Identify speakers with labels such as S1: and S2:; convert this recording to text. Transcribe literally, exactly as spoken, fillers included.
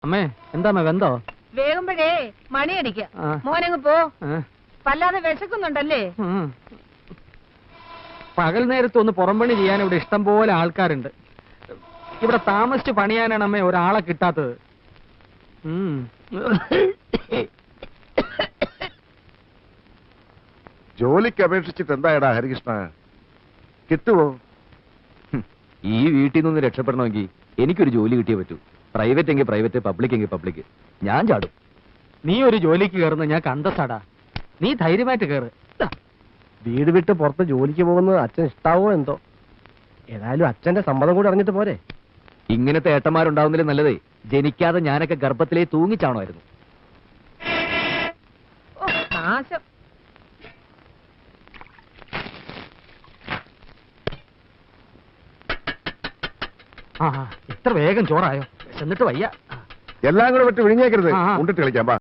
S1: അമ്മേ എന്താ അമ്മ വെന്തോ?
S2: വേകുമ്പോഴേ മണിയടിക്ക മോനങ്ങ് പോ. വല്ലാതെ വിശക്കുന്നുണ്ടല്ലേ?
S1: പകൽ നേരത്ത് ഒന്ന് പുറംപണി ചെയ്യാൻ ഇവിടെ ഇഷ്ടം പോലെ ആൾക്കാരുണ്ട്. ഇവിടെ താമസിച്ച് പണിയാനാണ് അമ്മേ ഒരാളെ കിട്ടാത്തത്.
S3: ജോലിക്ക് അപേക്ഷിച്ചിട്ട് എന്തായടാ ഹരികൃഷ്ണ, കിട്ടുവോ?
S4: ഈ വീട്ടിൽ നിന്ന് രക്ഷപ്പെടണമെങ്കിൽ എനിക്കൊരു ജോലി കിട്ടിയേ പറ്റൂ. പ്രൈവറ്റ് എങ്കിൽ പ്രൈവറ്റ്, പബ്ലിക് എങ്കിൽ പബ്ലിക്. ഞാൻ ചാടും.
S1: നീ ഒരു ജോലിക്ക് കയറുന്ന ഞാൻ കണ്ടസാടാ. നീ ധൈര്യമായിട്ട് കയറ്.
S5: വീട് വിട്ട് പുറത്ത് ജോലിക്ക് പോകുന്നത് അച്ഛൻ ഇഷ്ടാവോ എന്തോ. ഏതായാലും അച്ഛന്റെ സമ്മതം കൂടി അറിഞ്ഞിട്ട് പോരെ.
S4: ഇങ്ങനത്തെ ഏട്ടന്മാരുണ്ടാവുന്നതിലും നല്ലതേ ജനിക്കാതെ ഞാനൊക്കെ ഗർഭത്തിലേ തൂങ്ങിച്ചാണമായിരുന്നു.
S2: നാശം.
S1: ആ ഇത്ര വേഗം ചോറായോ? എന്നിട്ട് വയ്യ.
S3: എല്ലാം കൂടെ വിട്ട് വിഴിഞ്ഞേക്കരുത്. ഉണ്ടിട്ട് കളിക്കാം.